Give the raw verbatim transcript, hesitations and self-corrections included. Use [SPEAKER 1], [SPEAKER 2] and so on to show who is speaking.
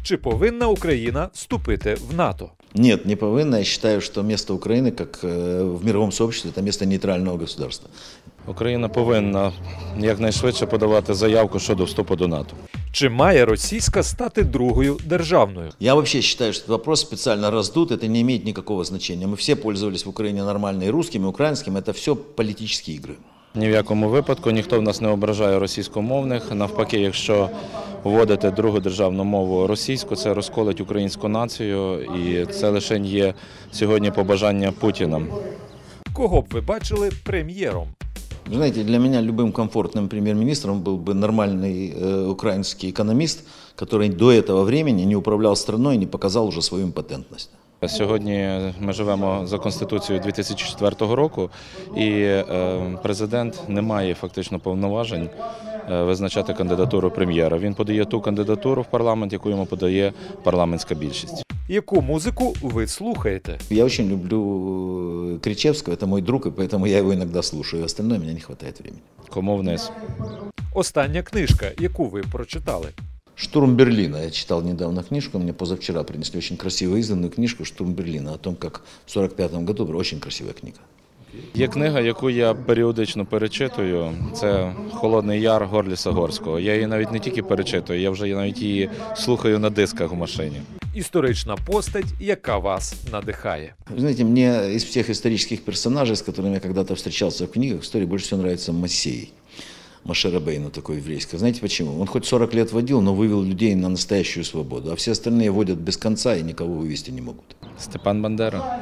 [SPEAKER 1] Чи повинна Україна вступити в НАТО?
[SPEAKER 2] Нет, не повинна. Я считаю, что место Украины, как в мировом сообществе, это место нейтрального государства.
[SPEAKER 3] Україна повинна якнайшвидше подавати заявку щодо вступу до НАТО.
[SPEAKER 1] Чи має російська стати другою державною?
[SPEAKER 2] Я вообще считаю, что этот вопрос специально раздут, это не имеет никакого значения. Мы все пользовались в Украине нормально и русским, и украинским, это все политические игры.
[SPEAKER 3] Ні в якому випадку ніхто в нас не ображає російськомовних. Навпаки, якщо вводити другу державну мову російську, це розколить українську націю, і це лише є сьогодні побажання Путіна.
[SPEAKER 1] Кого б ви бачили прем'єром?
[SPEAKER 2] Вы знаете, для меня любым комфортным премьер-министром был бы нормальный э, украинский экономист, который до этого времени не управлял страной и не показал уже свою импотентность.
[SPEAKER 3] Сьогодні ми живемо за Конституцією дві тисячі четвертого року, і президент не має фактично повноважень визначати кандидатуру прем'єра. Він подає ту кандидатуру в парламент, яку йому подає парламентська більшість.
[SPEAKER 1] Яку музику ви слухаєте?
[SPEAKER 2] Я очень люблю Кричевского, это мой друг, и поэтому я его иногда слушаю. Остальное мне не хватает времени.
[SPEAKER 3] Кому вниз?
[SPEAKER 1] Остання книжка, яку ви прочитали?
[SPEAKER 2] «Штурм Берлина». Я читал недавно книжку, мне позавчера принесли очень красиво изданную книжку «Штурм Берлина», о том, как в сорок пятом году была очень красивая книга.
[SPEAKER 3] Є книга, яку я періодично перечитую, це «Холодний Яр» Горліса Горського. Я її навіть не тільки перечитую, я вже навіть її слухаю на дисках в машині.
[SPEAKER 1] Історична постать, яка вас надихає?
[SPEAKER 2] Вы знаете, мне из всех исторических персонажей, с которыми я когда-то встречался в книгах, в истории больше всего нравится Моисей. Моше Рабейну такой еврейский. Знаете почему? Он хоть сорок лет водил, но вывел людей на настоящую свободу, а все остальные водят без конца и никого вывести не могут.
[SPEAKER 3] Степан Бандера.